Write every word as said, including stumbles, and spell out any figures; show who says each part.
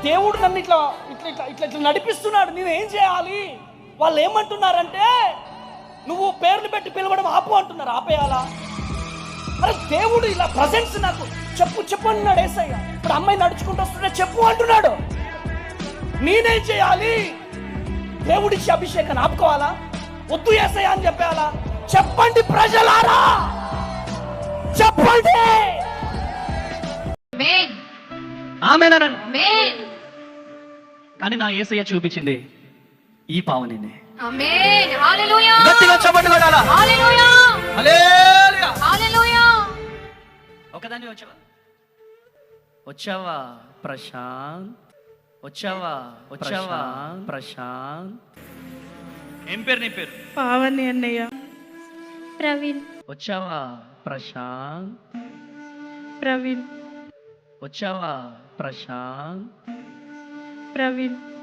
Speaker 1: దేవుడు నన్ను ఇట్లా ఇట్లా ఇట్లా ఇట్లా ఇట్లా నడిపిస్తున్నాడు, నేను ఏం చేయాలి? వాళ్ళు ఏమంటున్నారంటే నువ్వు పేర్లు పెట్టి పిలవడం ఆపు అంటున్నారు. ఆపేయాలా? అరే దేవుడు ఇలా ప్రజెన్స్ నాకు చెప్పు చెప్పు అంటున్నాడు యేసయ్య. ఇప్పుడు అమ్మాయి నడుచుకుంటూ వస్తుంటే చెప్పు అంటున్నాడు. నేనేం చేయాలి? దేవుడిచ్చి అభిషేకాన్ని ఆపుకోవాలా? వద్దు యేసయ్య అని చెప్పాలా? చెప్పండి ప్రజలారా, చెప్పండి.
Speaker 2: కానీ నా యేసయ్య చూపించింది ఈ పావనినే.
Speaker 3: ఆమేన్. హల్లెలూయా.
Speaker 2: గట్టిగా చప్పట్లు కొట్టాలా?
Speaker 3: హల్లెలూయా.
Speaker 2: హల్లెలూయా.
Speaker 3: హల్లెలూయా.
Speaker 2: ఒకదాన్ని వచ్చావా వచ్చావా ప్రశాంత్, వచ్చావా వచ్చావా ప్రశాంత్. ఏం పేరు నీ పేరు?
Speaker 4: పావని అన్నయ్య.
Speaker 3: ప్రవీణ్.
Speaker 2: వచ్చావా ప్రశాంత్.
Speaker 4: ప్రవీణ్.
Speaker 2: వచ్చావా ప్రశాంత్.
Speaker 4: ప్రవీణ్.